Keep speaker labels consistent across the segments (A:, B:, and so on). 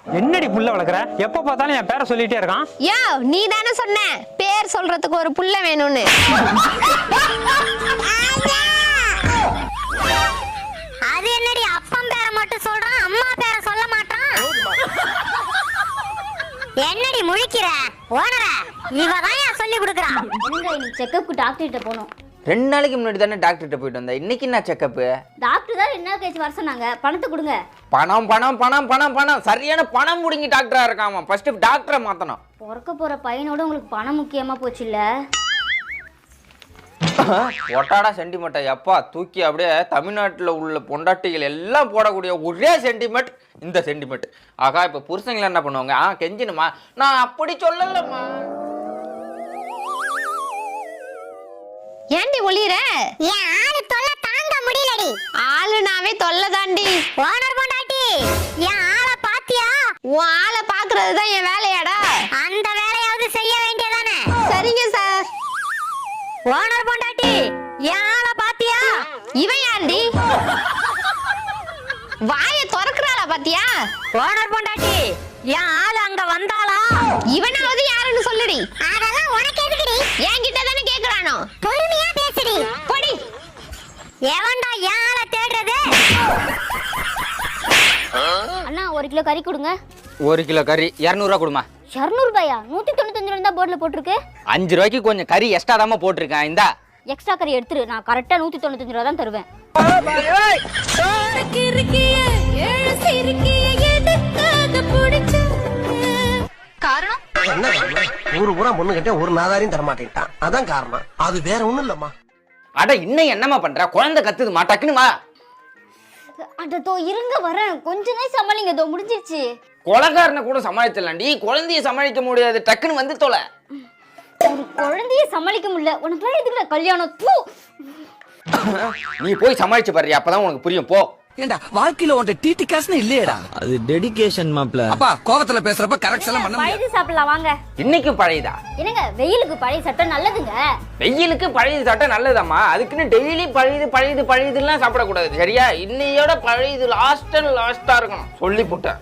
A: என்னடி புள்ள வளர்க்குற? எப்ப பார்த்தாலும் என் பேரை சொல்லிட்டே இருக்கான்.
B: யோ, நீ தானே சொன்ன பேர் சொல்றதுக்கு ஒரு புள்ள வேணும்னு.
C: அது என்னடி அப்பன் பேரை மட்டும் சொல்றான், அம்மா பேரை சொல்ல மாட்டான்? என்னடி முழிக்கிற? ஓனர இவதான் சொல்லி கொடுக்குறா.
D: நீ செக்கப்புக்கு டாக்டர் கிட்ட போனோம்.
E: 2 நாளைக்கு முன்னாடி தானே டாக்டர்கிட்ட போயிட்டு வந்தேன். இன்னைக்கு என்ன செக்கப்பு?
D: டாக்டர் தான் 2 நாள் கழிச்சு வர சொன்னாங்க. பணத்தை கொடுங்க.
E: பணம் பணம் பணம் பணம் பணம் சரியான பணம் முடிங்கி டாக்டரா இருக்காமா. ஃபர்ஸ்ட் டாக்டரை மாத்தணும்.
D: பிறக்க போற பையனோட உங்களுக்கு பணம் முக்கியமா போச்சு இல்ல?
E: ஒட்டாடா சென்டிமெண்ட் எப்பா தூக்கி அப்படியே தமிழ்நாட்டில் உள்ள பொண்டாட்டிகள் எல்லாம் போடக்கூடிய ஒரே சென்டிமெண்ட் இந்த சென்டிமெண்ட். ஆகா இப்ப புருஷங்களை என்ன பண்ணுவாங்க? கெஞ்சினுமா? நான் அப்படி சொல்லலம்மா.
B: ஏண்டி ஒளியற?
C: என் ஆளு தொல்லை தாங்க முடியலடி.
B: ஆளுனாவே தொல்லை தாண்டி.
C: ஓனர் பொண்டாட்டி என் ஆளை பாத்தியா?
B: உன் ஆளை பாக்குறதுதான் என் வேலையாடா.
C: அந்த வேலையாவது செய்ய வேண்டியதானே?
B: சரிங்க சார்.
C: ஓனர் பொண்டாட்டி என் ஆளை பாத்தியா?
B: இவன் யாண்டி? வாயை திறக்கிறாளா பாத்தியா?
C: ஓனர் பொண்டாட்டி என் ஆளு அங்க வந்தாளா?
B: இவனாவது யாருன்னு சொல்லுடி.
C: அதெல்லாம் உனக்கு எதுக்குடி?
B: என்கிட்ட தானே கேக்குறானோ.
C: பொறுமையா பேசுடி.
B: போடி.
C: எவன்டா என் ஆளை தேடுறது?
D: அண்ணா 1 கிலோ கறி கொடுங்க.
E: 1 கிலோ கறி 200 ரூபா கொடுமா.
D: 200 ரூபாயா? 195 ரூபா தான் போர்டுல போட்டிருக்கு.
E: 5 ரூபாய்க்கு கொஞ்சம் கறி எக்ஸ்ட்ரா தாம போட்டிருக்கேன். இந்தா
D: எக்ஸ்ட்ரா கறி எடுத்துரு. நான் கரெக்டா 195 ரூபா தான் தருவேன்.
C: காரணம்
F: என்ன ஊரு பூரா பொண்ணு கிட்ட ஒரு நாதாரியும் தரமாட்டேன்ட்டான். அதான் காரணம். அது வேற ஒண்ணும் இல்லம்மா.
E: அட இன்னும் என்னம்மா பண்ற? குழந்தை கத்துதுமா, டக்குனுமா.
D: அடதோ இருங்க வரேன். கொஞ்ச நேரம் சமாளிங்க. இதோ முடிஞ்சிருச்சு.
E: கொலகாரனை கூட சமாளிச்சிடலாண்டி, குழந்தைய சமாளிக்க முடியாது. டக்குன்னு வந்து தொலை.
D: ஒரு குழந்தைய சமாளிக்க முடியல. உனக்கு எதுக்குல கல்யாணம்? தூ.
E: நீ போய் சமாளிச்சு பாரு, அப்பதான் உனக்கு புரியும். போ.
F: ஏண்டா வாழ்க்கையில உன்ட டிடி காசுன்னு இல்லையேடா.
G: அது டெடிகேஷன் மாப்ள.
F: அப்பா கோவத்துல பேசுறப்ப கரெக்ஷன் எல்லாம் பண்ண முடியாது.
D: பழைய சாப்பிடலாம் வாங்க.
E: இன்னைக்கு பழையதா?
D: என்னங்க வெயிலுக்கு பழைய சட்டை நல்லதுங்க.
E: வெயிலுக்கு பழையது சாப்பிட்டா நல்லதாம்மா. அதுக்குன்னு டெய்லி பழையது பழையது பழையதுலாம் சாப்பிடக்கூடாது, சரியா? இன்னையோட பழையது லாஸ்டா இருக்கணும் சொல்லி போட்டேன்.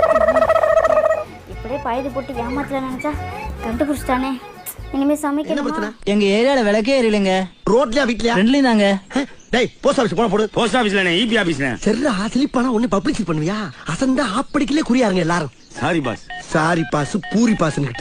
D: இப்படியே பழையது போட்டு ஏமாத்தல நினைச்சா கண்டுபிடிச்சிட்டானே. இனிமே சமைக்கணுமா?
G: எங்க ஏரியால விளக்கே எரியலங்க.
F: ரோட்லயா வீட்லயா?
G: ரெண்டுலயும் தாங்க.
F: டேய் போஸ்ட் ஆபீஸ் போன போடு.
H: போஸ்ட் ஆபீஸ்ல இபி ஆபீஸ்ல.
F: சரிடா ஸ்லிப்பானா ஒண்ணு பப்ளிசிட்டி பண்ணுவியா? அசந்தா ஆப்படிக்கலே குறியாருங்க எல்லாரும்.
H: Sorry boss.
F: Sorry boss poori பாஸ்னு.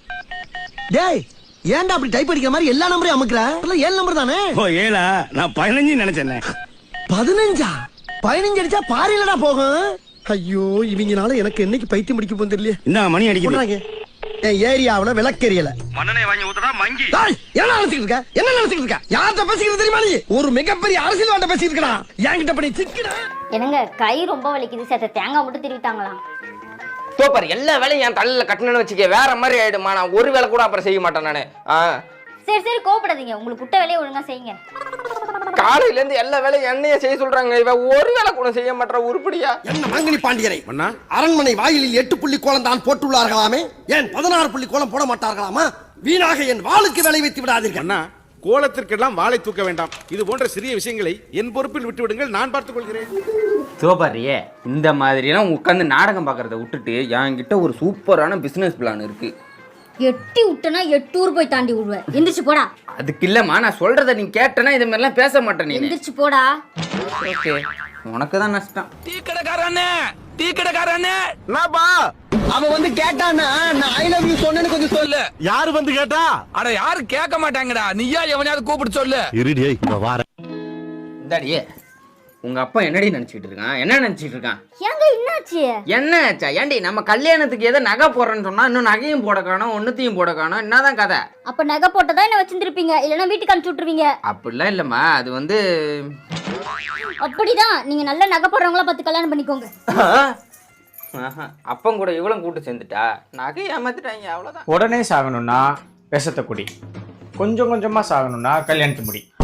F: டேய் ஏன்டா அப்படி டைப் அடிக்கிற மாதிரி எல்லா நம்பரையும் அமுக்குற? 7 நம்பர் தானே.
H: ஓ 7ஆ? நான் 15 நினைச்சேன்.
F: 15ஆ? 15 அடிச்சா பாரிலடா போகும். ஐயோ இவங்கனால எனக்கு என்னைக்கு பைத்தியம் பிடிக்க போகுது தெரியல.
H: இந்த மணி அடிக்குது.
F: என் ஏரியாவுல விளக்கெரியல.
H: மண்ணனை வாங்கி ஊத்துறா மங்கி.
F: என்ன நினைச்சிட்டு இருக்க? என்ன நினைச்சிட்டு இருக்க? யார்கிட்ட பேசிக்கிறது தெரியுமா நீ? ஒரு மிகப்பெரிய அரசியல்வாட்ட பேசிட்டு இருக்கடா. என்கிட்ட பண்ணி சிக்கடா.
D: என்னங்க கை ரொம்ப வலிக்குது. சேர்த்த தேங்காய் மட்டும் திருவிட்டாங்களாம்.
E: தோப்பார் எல்லா வேலையும் என் தலையில கட்டணும்னு வச்சுக்க, வேற மாதிரி ஆயிடுமா. நான் ஒரு வேலை கூட அப்புறம் செய்ய மாட்டேன் நானு.
D: சரி சரி கோவப்படாதீங்க. உங்களுக்கு புட்ட வேலையை ஒழுங்கா செய்யுங்க.
E: காலையில இருந்து எல்லா வேலையும் என்னைய செய்ய சொல்றாங்க. இவ ஒரு வேலை கூட செய்ய மாட்டா. உருப்படியா?
F: என்ன மாங்கனி பாண்டியரை அரண்மனை வாயிலில் 8 புள்ளி கோலம் தான் போட்டுள்ளார்களாமே, ஏன் 16 புள்ளி கோலம் போட மாட்டார்களாமா? வீணாக என் வாளுக்கு வேலை வைத்து விடாதீர்கள்.
H: அண்ணா கோலத்திற்கெல்லாம் வாளை தூக்க வேண்டாம். இது போன்ற சிறிய விஷயங்களை என் பொறுப்பில் விட்டு விடுங்கள், நான் பார்த்துக் கொள்கிறேன்.
E: தோப்பாரியே இந்த மாதிரிலாம் உட்காந்து நாடகம் பார்க்கறத விட்டுட்டு என்கிட்ட ஒரு சூப்பரான பிசினஸ் பிளான் இருக்கு.
D: எட்டி விட்டனா 8 ஊர் போய் தாண்டி விடுவேன். எந்திரிச்சு போடா.
E: அதுக்கு இல்லம்மா, நான் சொல்றத நீ கேட்டனா இது மாதிரிலாம் பேச மாட்டேன். நீ
D: எந்திரிச்சு போடா.
E: ஓகே உனக்கு தான் நஷ்டம்.
G: டீ கடைக்காரனே
F: நாபா அவன் வந்து கேட்டானா நான் ஐ லவ் யூ சொன்னேன்னு கொஞ்சம் சொல்லு.
H: யாரு வந்து கேட்டா?
G: அட யாரு கேட்க மாட்டாங்கடா. நீயா எவனையாவது கூப்பிட்டு சொல்லு.
H: இருடியே இங்க வார.
E: இந்தாடியே உங்க அப்பா என்னடி நினைச்சிட்டு இருக்கான்? என்ன நினைச்சிட்டு இருக்கான்?
D: ஏங்க என்னாச்சு?
E: என்ன ஆச்சா? ஏண்டி நம்ம கல்யாணத்துக்கு ஏதோ நகை போடுறேன்னு சொன்னா இன்னும் நகையும் போட காணோம், ஒன்னுத்தையும் போட காணோம். என்னதான் கதை?
D: அப்ப நகை போட்டதா என்ன வச்சிருப்பீங்க, இல்லனா வீட்டுக்கு அனுப்பிச்சு விட்டுருவீங்க.
E: அப்படிலாம் இல்லம்மா, அது வந்து
D: அப்படிதான். நீங்க நல்ல நகை போடுறவங்கள பார்த்து கல்யாணம் பண்ணிக்கோங்க.
E: அப்பம் கூட இவ்வளவு கூட்டு சேர்ந்துட்டா நகை ஏமாத்திட்டாங்க, அவ்வளவுதான்.
A: உடனே சாகணும்னா விஷத்தை குடி, கொஞ்சம் கொஞ்சமா சாகணும்னா கல்யாணத்து முடி.